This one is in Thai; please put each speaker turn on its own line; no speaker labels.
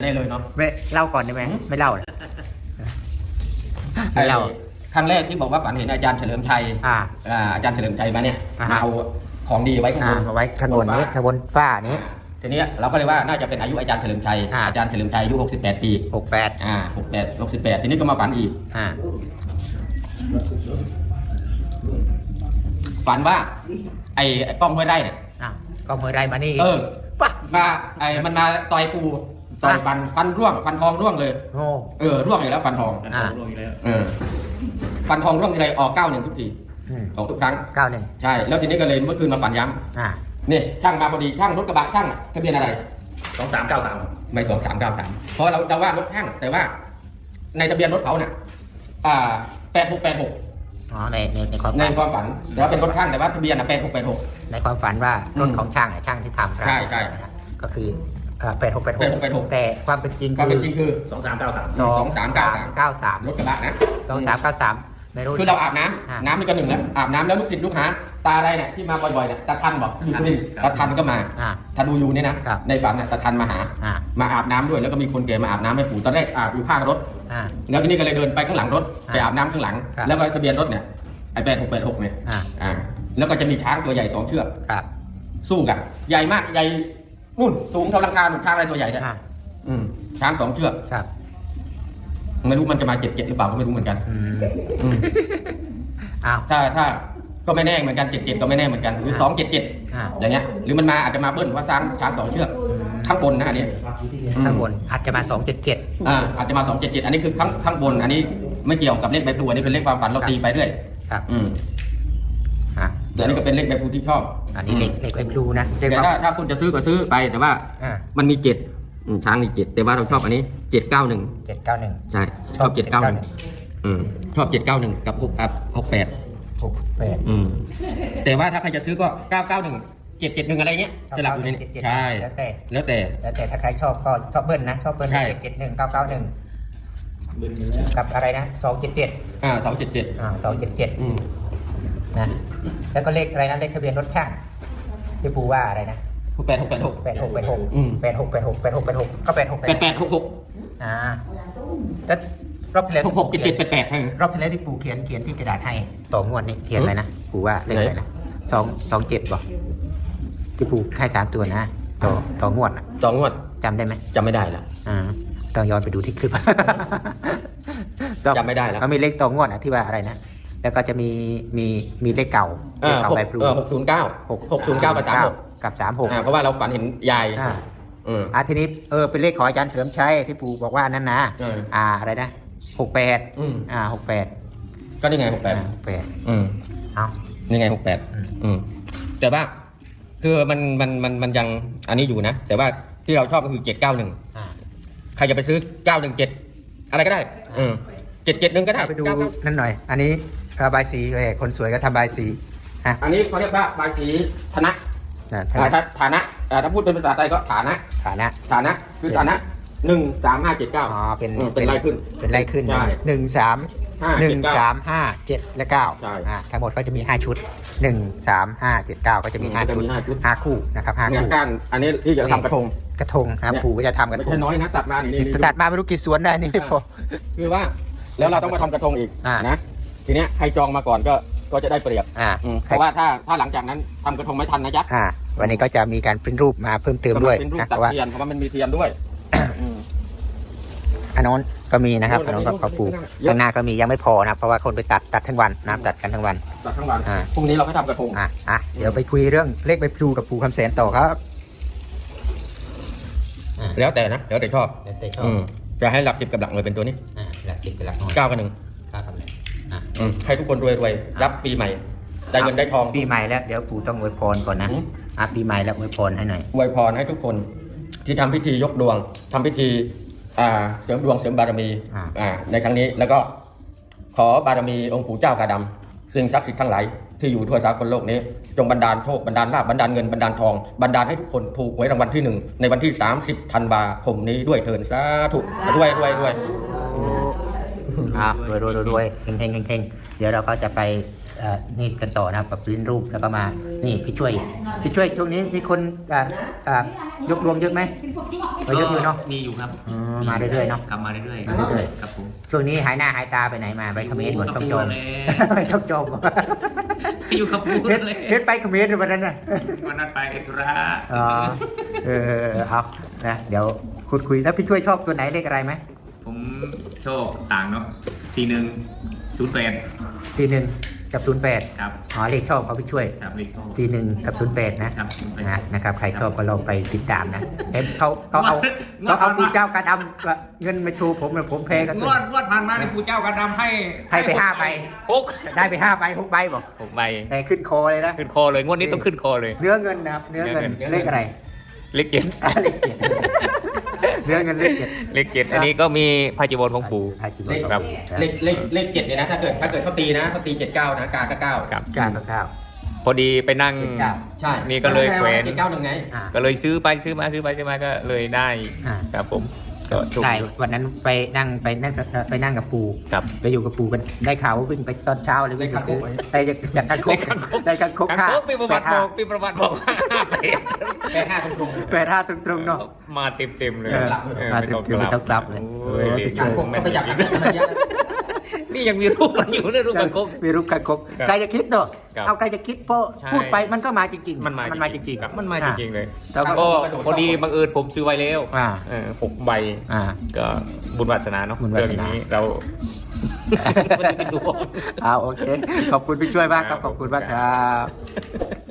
ได้เลยเนาะ
ไม่เล่าก่อนได้ไหมไม่เล่าเลยไม่เล่า
ครั้งแรกที่บอกว่าฝันเห็นอาจารย์เฉลิมชัยอาจารย์เฉลิมชัยมาเนี่ยมาเอาของดีไว้ข้างบน
มาไว้ข้างบนนี้ข้างบนฝ้านี้
ทีนี้เราก็เลยว่าน่าจะเป็นอายุอาจารย์เฉลิมชัยอาจารย์เฉลิมชัยอายุ68 ปี68ทีนี้ก็มาฝันอีกฝันว่าไอ้กล้องห้วยไร่เนี่ย
กล้องห้วยไร่มานี่
มามันมาต่อยปูต่อยฟันร่วงฟันทองร่วงเลยร่วงอีกแล้วฟันทอง
ร่วงอีกแล้ว
ฟันทองร่วงอะไรออก91ทุกทีออกทุกครั้ง
91
ใช่แล้วทีนี้ก็เลยเมื่อคืนมาฝันย้ำนี่ช่างมาพอดีช่างรถกระบะช่างทะเบียนอะไร
2393
ไม่2393เพราะเราว่ารถช่างแต่ว่าในทะเบียนรถเขาเนี่ย8686ในความฝันแล้วเป็นรถช่างแต่ว่าทะเบียน8686
ในความฝันว่ารถของช่างที่ทำ
ใช่
ก็คือ8686แต่ความเป็นจริง
คือ
2393
รถกระบะนะ
2393ไม่รู้
คือเราอาบน้ำนี่ก็หนึ่งแล้วอาบน้ำแล้วลูกศิษย์ลูกหาตาอะไรเนี่ยที่มาบ่อยๆเนี่ยตาทันบอกอยู่ที่นี่ตาทันก็มาทันดูอยู่เนี่ยนะในฝันเนี่ยตาทันมาหามาอาบน้ำด้วยแล้วก็มีคนแก่มาอาบน้ำให้ปู่ตอนแรกอาบอยู่ข้างรถแล้วทีนี้ก็เลยเดินไปข้างหลังรถไปอาบน้ำข้างหลังแล้วก็ทะเบียนรถเนี่ยไอ้8686เนี่ยแล้วก็จะมีช้างตัวใหญ่2 เชือกสู้กันใหญ่มากใหญ่นู่นสูงเท่าลังกาช้างอะไรตัวใหญ่เนี่ยช้าง2 เชือกไม่รู้มันจะมา77หรือเปล่าก็ไม่รู้เหมือนกันถ้าก็ไม่แน่เหมือนกัน77ก็ไม่แน่เหมือนกันหรือ277อย่างเงี้ยหรือมันมาอาจจะมาเบิ้ลว่าช้าง2 เชือกข้างบนนะอันนี้
ข้างบนอาจจะมา277
อาจจะมา277อันนี้คือข้างบนอันนี้ไม่เกี่ยวกับเลขใบพลูอันนี้เป็นเลขความฝันเราตีไปเรื่อยอันนี้ก็เป็นเลขใบพลูที่ชอบ
อันนี้เลขใบพลูนะ
แต่ถ้าคุณจะซื้อก็ซื้อไปแต่ว่ามันมี7ช้างมี7แต่ว่าเราชอบอันนี้791ใช่ชอบ791ชอบ791กับ68แต่ว่าถ้าใครจะซื้อก็991 771อะไรเงี้ยสลับอยู่ในนี้ใช่แล้วแต่
ถ้าใครชอบก็ชอบเบิ้ลนะชอบเบิ้ล771 991กับอะไรนะ277 277นะแล้วก็เลขอะไรนะเลขทะเบียนรถช่างที่ปู่ว่าอะไรนะ
8686
ก็
8866
แล้วรอบที่แล้ว
6788
รอบที่แล้วที่ปู่เขียนที่กระดาษให้ต่องวดนี่เขียนอะไรนะปู่ว่าเลขอะไรนะ227บอกที่ปู่ให้3 ตัวนะต่องวด
2 งวด
จำได้ไหม
จำไม่ได้แล้ว
ต้องย้อนไปดูที่คลิป
จำไม่ได้แล้ว
มันมีเลขต่องวดที่ว่าอะไรนะแล้วก็จะมีเลขเก่าใบพลู
609กับ36เพราะว่าเราฝันเห็นยาย
ทีนี้เป็นเลขของอาจารย์เฉลิมชัยที่ปู่บอกว่านั่นนะอะไรนะ68
ก็นี่ไง68นี่ไง68แต่ว่าคือมันยังอันนี้อยู่นะแต่ว่าที่เราชอบก็คือ791ใครจะไปซื้อ917อะไรก็ได้771ก็ได้
ไปดูนั่นหน่อยอันนี้บายสีคนสวยก็ทำบายสี
อันนี้เขาเรียกว่าบายสีฐานะถ้าพูดเป็นภาษาไทยก็ฐานะคือฐานะ13579
เป็นไล่ขึ้น13517และ9ทั้งหมดก็จะมี5 ชุด13579ก็จะมี5 ชุด5 คู่นะครับ5 คู่
อันนี้ที่จะทำกระทง
นะครับปู่ก็จะทำกระทง
ไม่ใช่น้อยนะตัดมา
ไม่รู้กี่สวนได้นี่พอ
คือว่าแล้วเราต้องมาทำกระทงอีกนะทีเนี้ยใครจองมาก่อนก็จะได้เปรียบเพราะว่าถ้าหลังจากนั้นทำกระทงไม่ทันนะจ๊ะ
วันนี้ก็จะมีการปริ้นรูปมาเพิ่มเติมด้วย
นะเพราะว่ามันมีเทียนด้วย
อันนั้นก็มีนะครับอันนั้นก็ปู่ข้างหน้าก็มียังไม่พอนะเพราะว่าคนไปตัดทั้งวันนะตัดกันทั้งวัน
พรุ่งนี้เราก็ทำกระทง
เดี๋ยวไปคุยเรื่องเลขใบพลูกับปู่คำแสนต่อครับ
แล้วแต่ชอบจะให้หลัก10กับหลักหน่วยเป็นตัวนี้
หลัก10กับหลักหน่วย
9กับ1ให้ทุกคนรวยรับปีใหม่ได้เงินได้ทอง
ปีใหม่แล้วเดี๋ยวปู่ต้องอวยพรก่อนนะปีใหม่แล้วอวยพรให้หน่อย
อวยพรให้ทุกคนที่ทำพิธียกดวงทำพิธีเสริมดวงเสริมบารมีในครั้งนี้แล้วก็ขอบารมีองค์ปู่เจ้ากาดำสิ่งศักดิ์สิทธิ์ทั้งหลายที่อยู่ทั่วสากลโลกนี้จงบันดาลโชคบันดาลลาภบันดาลเงินบันดาลทองบันดาลให้ทุกคนถูกหวยรางวัลที่1ในวันที่30 ธันวาคมนี้ด้วยเถิดสาธุรวย
รวยเฮงเดี๋ยวเราก็จะไปนี่กันต่อนะครับกับลิ้นรูปแล้วก็มานี่พี่ช่วยช่วงนี้มีคนยกดวงเยอะไหมเยอะอยู่เนาะ
มีอยู่ครับ
มาเรื่อยๆเนาะ
กลับมาเรื่อย
มาเรื่อย
ๆครับผม
ช่วงนี้หายหน้าหายตาไปไหนมาไปเขมรหมด
อยู่กับ
ต้องโจม
ปูเลย
ไปต้องโจม
อยู่กับปู
เฮ็ด
เลย
เฮ็ดไปเขมรวันนั้นน่ะ
วันนั้นไปธุระ
อ๋อเอานะเดี๋ยวคุยแล้วพี่ช่วยชอบตัวไหนเลขอะไรไหม
ผมชอบต่างเนาะ4108
41 กับ 08
ครับ
อ๋อเลขชอบเขาพี่ช่วย
ครับเลขชอบ
41 กับ 08 นะครับ นะครับใครชอบก็ลองไปติดตามนะเห็นเขาเอาปูเจ้ากระดำเงินมาชูผมเลยผมแพ้กัน
งวดผ่านมาในปูเจ้ากระดำให้
ไป5 ใบ
6
ได้ไป5 ใบ 6 ใบบอก
6 ใบ
แต่ขึ้นคอเลยนะ
ขึ้นคอเลยงวดนี้ต้องขึ้นคอเลย
เนื้อเงินนะครับเนื้อเงิน
เนื้อเงิน
เลขอะไร
เลขเจ็ด
เลขเจ็ดเนื้อเงินเลขเจ็ด
เลขเจ็ดอันนี้ก็มีพาจิวรของปู่ ครับ
เลขเจ็ดเนี่ยนะถ้าเกิดเขาตีนะเขาตี79นะกาก็9
ครับ
9 กับ
พอดีไปนั่ง
ใช่
นี่ก็เลยแขวน
791ไง
ก็เลยซื้อไปซื้อมาก็เลยได้
อ่า
ครับผมก็ถูก
ใช่วันนั้นไปนั่งกับปู
ครับ
ไปอยู่กับปูกันได้ข่าวว่าวิ่งไปตอนเช้าเลยวิ่งไปซื้อได้จากการคกได้การคก
ครั
ค่า
บปีประวัติบอกปีประวัติบอกว่า
85ตรง
85ตรงๆเนาะ
มาเต็มเลย
มาเต็มๆไม่ต้องกลับเลย
โอ้ย
ไปช่วย
ๆก็ไปจับกัน
นี่ยังมีรูปมันอยู่ในรูปกันคก
มีรูปการคก
ครับ
ใครจะคิดเนาะ
ครับ
เอาใครจะคิดเพราะ
ใช่
พูดไปมันก็มาจริงๆ
มันมาจริง
ๆ
ครับมันมาจริงๆเลย
แล้ว
ก็พอดีบังเอิญผมซื้อไว้แล้ว
อ่า
6 ใบ
อ่า
ก็บุญวาสนาเนาะ
บุญวาสนา
เรื่องนี้เราไม่ได้ดู
โอเค ขอบคุณพี่ช่วยมากครับ ขอบคุณมากครับ